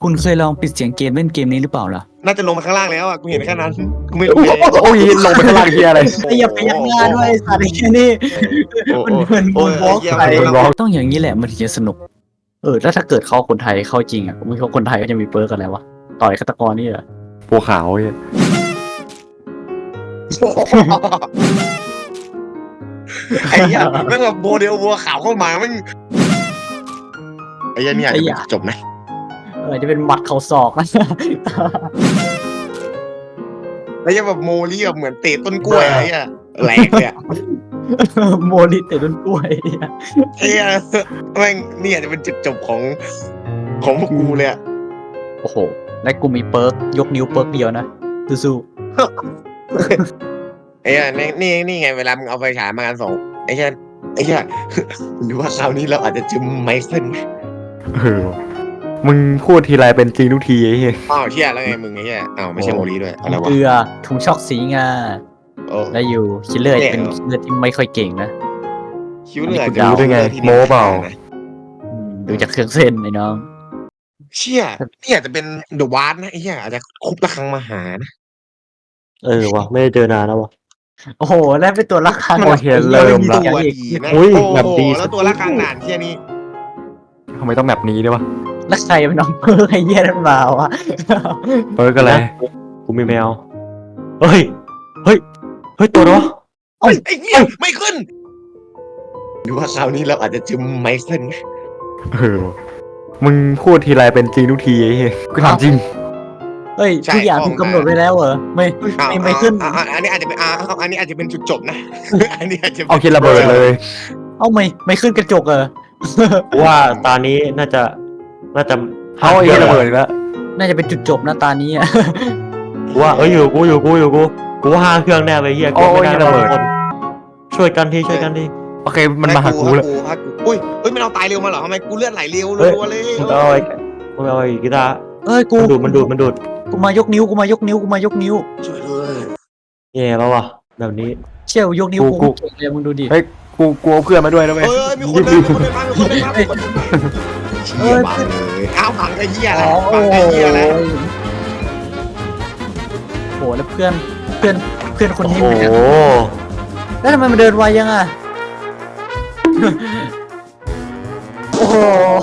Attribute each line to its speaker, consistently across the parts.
Speaker 1: คุณเคยลองปิดเสียงเกมเล่นเกมนี้หรือเปล่าล่ะ
Speaker 2: น่าจะลงมาข้างล่างแล้วอ่ะกูเห็นแค่นั้นกูไม่รู้เลย
Speaker 3: โอ้ยลงไปข้างล่างเฮียอะไร
Speaker 1: ไอ้อย่าไปยักหน้าด้วยสัตว์ไอ้แค่นี้มันเหมือนบนบล็อกไปต้องอย่างนี้แหละมันถึงจะสนุกแล้วถ้าเกิดเข้าคนไทยเข้าจริงอ่ะไม่เข้าคนไทยก็จะมีเปิร์กอะไรวะต่อยฆาตกรนี่เหรอ
Speaker 3: บัวขาวเฮีย
Speaker 2: ไอ้เหี้ยแม่งแบบโมเดลวัวขาวเข้ามาแม่งไอ้เหี้ยเนี่ยจะจบไหม
Speaker 1: จะเป็นหมัดเข่าศอกนะ
Speaker 2: ไอ้เหี้ยแบบโมลี่แบบเหมือนเตะต้นกล้วยไอ้เหี้ยแหลกเลยอะ
Speaker 1: โมลิเตะต้นกล้วย
Speaker 2: ไอ้เหี้ยแม่งเนี่ยจะเป็นจุดจบของพวกกูเลยอะ
Speaker 1: โอ้โหและกูมีเปิร์กยกนิ้วเปิร์กเดียวนะสู้
Speaker 2: ไอ้เหี้ยนี่ไงเวลามึงเอาไฟฉายมากันสองไอ้เหี้ยหรือว่าคราวนี้เราอาจจะจิ้มไมเคิล
Speaker 3: มึงพูดทีไรเป็นจริงทุกทีไอ้เฮีย
Speaker 2: อ้าวเชี่ยแล้วไงมึงไอ้เหี้ยอ้าวไม่ใช่โมลี่ด้วยอะไร
Speaker 1: ๆ
Speaker 2: วะ
Speaker 1: เกลือถุงช็อกสีงา
Speaker 2: โอ้
Speaker 1: และอยู่คิลเลอร์เป็นคิลเลอร์ที่ไม่ค่อยเก่งนะ
Speaker 2: คิ้วเหนือ
Speaker 3: ดูได้ไงโมเปล่า
Speaker 1: ดูจากเครื่องเส้นไอ้น้อง
Speaker 2: เชี่ยนี่อาจจะเป็นเดอะวาร์ดนะไอ้เหี้ยอาจจะคุบระฆังมาหานะ
Speaker 4: วะไม่ได้เจอนานแล้ววะ
Speaker 1: โอ้โหแล้วเป็นตัวละคร
Speaker 3: โอเคเริ่มละ
Speaker 2: ตัวดีนะ
Speaker 4: อุ้ย
Speaker 2: โอ้
Speaker 4: แบบดี
Speaker 2: แล้วตัวระฆังหนานเชี่ยนี่
Speaker 3: ทำไมต้องแบบนี้ด้วยวะ
Speaker 1: แล้วใครเป็นน้องเพิร์กไอ้เหี้ยนั่นมาวะ
Speaker 3: เปิร์กอะไร
Speaker 4: กูมีแมวเฮ้ยตัวเนาะ
Speaker 2: ไอ้เหี้ยไม่ขึ้นหรือว่าคราวนี้เราอาจจะจิ้มไมเคิล
Speaker 3: มึงพูดทีไรเป็นจริงทุกทีไอ้เฮียกูถามจริง
Speaker 1: เฮ้ยทุกอย่างถูกกำหนดไว้แล้วเหรอไม่ขึ้น
Speaker 2: อันนี้อาจจะเป็นอันนี้อาจจะเป็นจุดจบนะ อันนี้อาจจะ
Speaker 3: เอาคิดระเบิดเลย
Speaker 1: เอาไม่ขึ้นกระจกเหรอ
Speaker 4: กูว่าตานี้น่าจะ
Speaker 3: เอาไอ้เฮียระเบิดอีกแล้ว
Speaker 1: น่าจะเป็นจุดจบนะตานี้อะ
Speaker 4: กูว่ากูว่า5 เครื่องแน่เลยเฮียกูไม่ได้ระเบิดช่วยกันที
Speaker 3: โอเคมันมาหากูแล้ว
Speaker 2: อุ้ยมันเอาตายเร็วมาเหรอทำไมกูเลือดไหลเร็วรัวเลย
Speaker 4: มึงเอาไอ้กีตาร์
Speaker 1: เอ้ยกู
Speaker 4: มันดูด
Speaker 1: กูมายกนิ้ว
Speaker 2: ช่วยด้วย
Speaker 4: แย่แล้ววะแบบนี้
Speaker 1: เชี่ยวยกนิ้วกูเก่งเลยมึงดูดิ
Speaker 3: เฮ้ยกูกลัวเพื่อนมาด้วยนะเว้ย
Speaker 2: มีคนเดินมาเชี่ยบังเลยอ้าวพังไอ้เหี้ยอะไรพังไอ้เหี้ยอะไร
Speaker 1: โหแล้วเพื่อนคน
Speaker 4: โอ้
Speaker 1: นี้
Speaker 4: โห
Speaker 1: มันแล้วทำไมมันเดินไวยังอ่ะ โอ้โห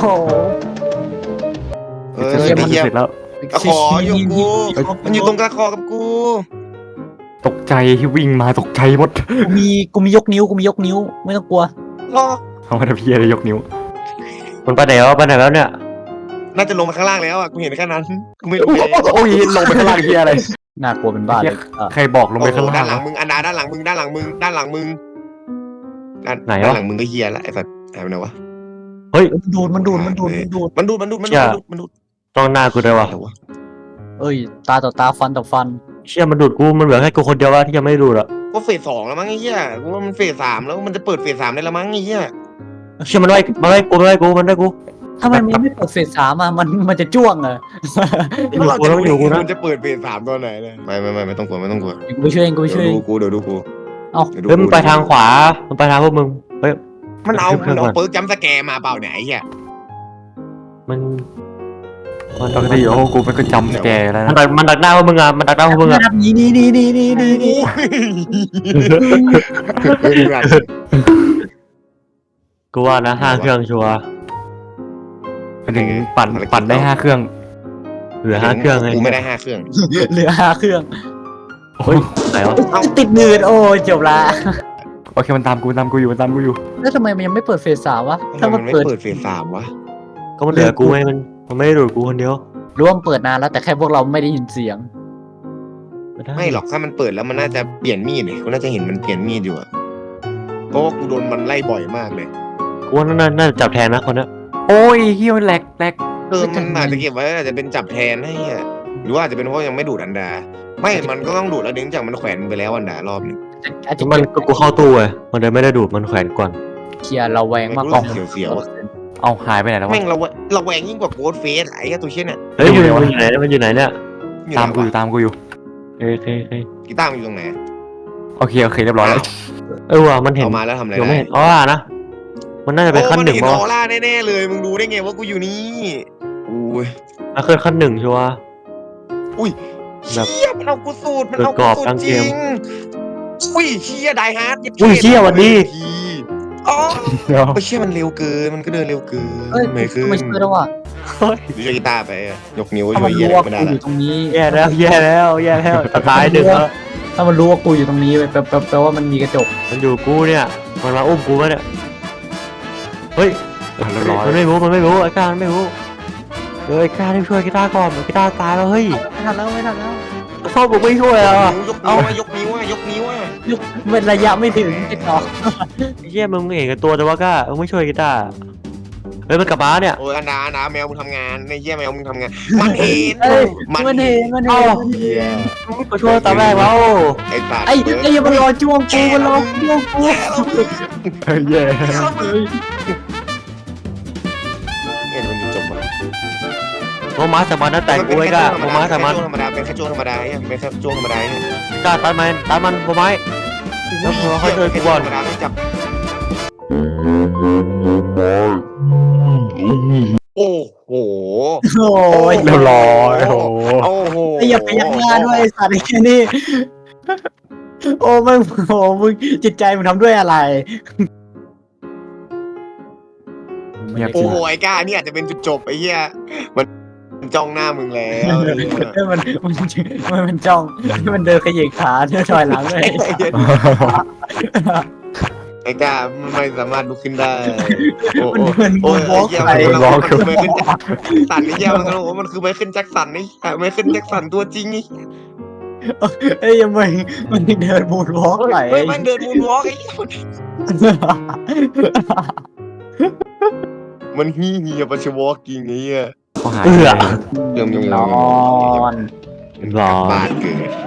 Speaker 2: ไอ้เหี้ย
Speaker 3: เสร็จแล้ว
Speaker 2: ตะขออยู่กูมันอยู่ตรงตะขอกับกู
Speaker 3: ตกใจที่วิ่งมาตกใจหมด
Speaker 1: กูมียกนิ้วไม่ต้องกลัว
Speaker 2: รอ
Speaker 3: เอามาทำพี่อะไรยกนิ้ว
Speaker 4: มันไปไหนแล้วเนี่ย
Speaker 2: น่าจะลงมาข้างล่างแล้วอ่ะกูเห็นแค่นั้นกูไม่รู้เลย
Speaker 3: โอ้ยลงไปข้างล่างเฮียอะไร
Speaker 1: น่ากลัวเป็นบ้าเลย
Speaker 3: ใครบอกลงไปข้างล่าง
Speaker 2: ด้านหลังมึงอันดาด้านหลังมึงด้านหลังมึงด้านหลังมึงด้านหลังมึงก็เฮียละไอ้สัตว์หายไปไหนวะ
Speaker 1: มันดูด
Speaker 4: ต้องหน้ากูด้วยวะ
Speaker 1: เอ้ยตาต่อตาฟันต่อฟัน
Speaker 4: เชี่ยมันดูดกูมันเหลือแค่กูคนเดียววะที่ยังไม่ดูดอ่ะ
Speaker 2: ก็เฟส 2แล้วมั้งไอ้เหี้ยกูว่ามันเฟส 3แล้วมันจะเปิดเฟส 3ได้แล้วมั้งไอ้เหี้ย
Speaker 4: เชี่ยมันไล่กู
Speaker 1: ทำไมมันไม่เปิดเฟส3อ่ะมันจะจ้วงเหรอ
Speaker 2: มันจะเปิดเฟส 3ตอนไหนเลยไม่ต้องกลัว
Speaker 1: กูไปช่วยเอง
Speaker 2: เดี๋ยวดูกู
Speaker 4: เฮ้ยมันไปทางขวามันไปทางพวกมึงเฮ้ย
Speaker 2: มันเอาเปิร์กจัมสแกร์มาเปล่าเนี่ยไอ้เหี้ย
Speaker 4: มัน
Speaker 3: ปกติโอ้กูเป็นก็จำแกแล้วนะ
Speaker 4: มันดักหน้าพวกมึงอ่ะมันดักหน้าพวกมึงอ่ะ
Speaker 1: นี่
Speaker 4: กูว่านะ5 เครื่องชัวร์
Speaker 3: ไปถึงปั่นได้5 เครื่อง
Speaker 4: เหลือ5 เครื่องไง
Speaker 2: กูไม่ได้5 เครื่อง
Speaker 1: เหลือ5 เครื่อง
Speaker 4: เฮ้ยไหนวะ
Speaker 1: ติดหนืดโอ้ยจบละ
Speaker 3: โอเคมันตามกูอยู่
Speaker 1: แล้วทำไมมันยังไม่เปิดเฟส3วะถ้า
Speaker 2: มั
Speaker 1: มัน น
Speaker 2: ไม่
Speaker 1: เปิด
Speaker 2: เปิดเฟส 3วะ
Speaker 4: ก็มันเหลือกูไงมันไม่ได้ดูดกูคนเดียว
Speaker 1: รู้ว่ามันเปิดนานแล้วแต่แค่พวกเราไม่ได้ยินเสียง
Speaker 2: ไม่หรอกถ้ามันเปิดแล้วมันน่าจะเปลี่ยนมีดเลยกูน่าจะเห็นมันเปลี่ยนมีดอยู่อะเพราะว่ากูโดนมันไล่บ่อยมากเลย
Speaker 4: กูว่าน่าจะจับแทนนะคนเนี้ย
Speaker 3: โอ้ยเฮียมันแหลก
Speaker 2: มันอาจจะเก็บไว้อาจจะเป็นจับแทนให้อะหรือว่าอาจจะเป็นเพราะยังไม่ดูดอันดา ไม่มันก็ต้องดูดแล้วเนื่องจากมันแขวนไปแล้วอันดารอบนึง
Speaker 1: อาจจะ
Speaker 4: มันก็กูเข้าตู้ไงมันเลยไม่ได้ดูดมันแขวนก่อน
Speaker 1: เคลียร์เราแวงมากกว่า
Speaker 2: เสียวๆอะ
Speaker 3: เอาหายไปไหนแล้ววะ
Speaker 2: แม่งเราแวงยิ่งกว่าโกดเฟสไอ้ตัวเชี่ยเนี่ย
Speaker 4: เฮ้ยมันอยู่ไหนเนี่ย
Speaker 3: ตามกูอยู่
Speaker 4: เฮ้ย
Speaker 2: กีตาร์มันอยู่ตรงไหน
Speaker 3: โอเคเรียบร้อยแล้ว
Speaker 4: ว่ะมันเห็น
Speaker 2: เอามาแล้วทำอะไร
Speaker 4: ยัง
Speaker 2: ได้
Speaker 4: ไม่เห็นนะมันน่าจะเป็นขั้น 1
Speaker 2: โอ้มันเห็น
Speaker 4: มั้
Speaker 2: อง อร่าแน่ๆเลยมึงรู้ได้ไงว่ากูอยู่นี่
Speaker 4: ว
Speaker 2: อุ้ย
Speaker 4: แล้วขึ้นขั้นหนึ่งชัวร์
Speaker 2: อุ้ย
Speaker 4: แบบ
Speaker 2: เชี่ยมันเอากูสูตรมันเอา
Speaker 4: เปิ
Speaker 2: กู
Speaker 4: ดกรอบ
Speaker 2: สูต
Speaker 4: ตั้
Speaker 2: รง จ
Speaker 4: เก
Speaker 2: ริ
Speaker 4: ม
Speaker 2: งอุ้ยเชี่ยไดฮาร์ด
Speaker 4: อุ้ยเชี่ยวันนี้
Speaker 2: อ๋อ
Speaker 3: เดี๋ยว
Speaker 2: ไอ้เชี่ยมันเร็วเกินมันก็เดินเร็วเกิน
Speaker 1: เอ้ย
Speaker 2: ไม่ขึ้น
Speaker 1: ไม่ช่วยแล้วว่ะ
Speaker 2: หรือจะกีตาร์ไปอะยกนิ้ว
Speaker 1: ถ้า
Speaker 2: ช่ว
Speaker 1: มั
Speaker 2: ย
Speaker 1: น
Speaker 2: เยี่ย
Speaker 1: รู้
Speaker 2: อะไร
Speaker 1: ว่า
Speaker 2: ไม่ได้ละ
Speaker 1: กูอยู่ตรงนี้
Speaker 4: แย่แล้วแย่แล้วแย่แล้วตายหนึ่งแล้ว
Speaker 1: ถ้ามันรู้ว่ากูอยู่ตรงนี้แปลว่ามันมีกระจก
Speaker 4: มันอยู่กูเนี่ยมันมาอุ้มกูวะเนี่ยเฮ้ย
Speaker 3: เรียบร้อย
Speaker 4: มันไม่รู้ไอ้การมันไม่รู้ไอ้การรีบช่วยกีตาร์ก่อนกีตาร์ตายแล้วเฮ้ย
Speaker 1: ไม่ทันแล้วไม่ทันแล้ว
Speaker 4: ชอบผมไม่ช่วยแล้วอะ
Speaker 2: ยกนิ้วอะยกนิ้วอะ
Speaker 1: เป็นระยะไม่ถึงติดต่อ
Speaker 4: ไอ้เหี้ยมึงเห็นกับตัวแต่ว่าก็มึงไม่ช่วยกีตาร์เฮ้ยมันกลับมาเนี่ย
Speaker 2: โอ้ยอันดาแมวมึงทำงานในเยี่ยแมวมึงทำงานมันเห็น
Speaker 1: เอ้ยมันเห็น
Speaker 2: เหี้ย
Speaker 4: มาช่วยตอนแรกแล้ว
Speaker 2: ไอ้สัตว์
Speaker 1: ไอ้ยังมันรอจ้วงกูมันรอจ้วงกู
Speaker 3: แย่
Speaker 2: เห็นมันจบอ่ะ
Speaker 4: โมมาสมันนั่นแต่งกูไว้ก็โมมาสมัน
Speaker 2: ธรรมดาเป็นแค่ช่วงธรรมดาเนี่ยเป็นแค่ช่วงธรรมดาเนี่ย
Speaker 4: กีตาร์ตัดมันโมไม้ แล้วพอเขาเดินกูก่อน
Speaker 2: ธรรมดาไม่จับโอ้โห
Speaker 1: โอ้ย
Speaker 3: เรียบร้อยโอ้โห
Speaker 2: โอ้โห
Speaker 1: ไอ้อย่าไปยักหน้าด้วยไอ้สัตว์ไอ้แค่นี้โอ้มึงโอ้มึงจิตใจมึงทำด้วยอะไร
Speaker 3: เงียบ
Speaker 2: โอ้
Speaker 3: จริง
Speaker 2: โหไอ้ก้านี่อาจจะเป็นจุดจบไอ้เหี้ยมันจ้องหน้ามึงแล้ว
Speaker 1: มันจ้องมันเดินขยิบขาเดินถอยหลังเลย
Speaker 2: ไอ้ก้ามันไม่สามารถลุกขึ้นได้โอ้
Speaker 1: มัน
Speaker 2: โห
Speaker 1: เหมือน
Speaker 2: โอ้
Speaker 1: บู
Speaker 2: ย
Speaker 1: บล็อก
Speaker 2: ไอ้
Speaker 1: ไป
Speaker 2: เหี้ยมันคือไมเคิลแจ็คสันไอ้เหี้ยมันก็บอกว่ามันคือไมเคิลแจ็คสันนี่ไมเคิลแจ็คสันตัวจริงนี่
Speaker 1: ไอ้ยังมันเดินบูบล็อกไป
Speaker 2: เฮ้ยมันเดินมูนวอล์กไอ้เหี้ยมันเฮียปัชวอล์กจริงไอ้เหี้ย
Speaker 3: เขาหาย
Speaker 4: เอื้อ
Speaker 2: เริ่มยง
Speaker 1: นอน
Speaker 2: บ้านเกิด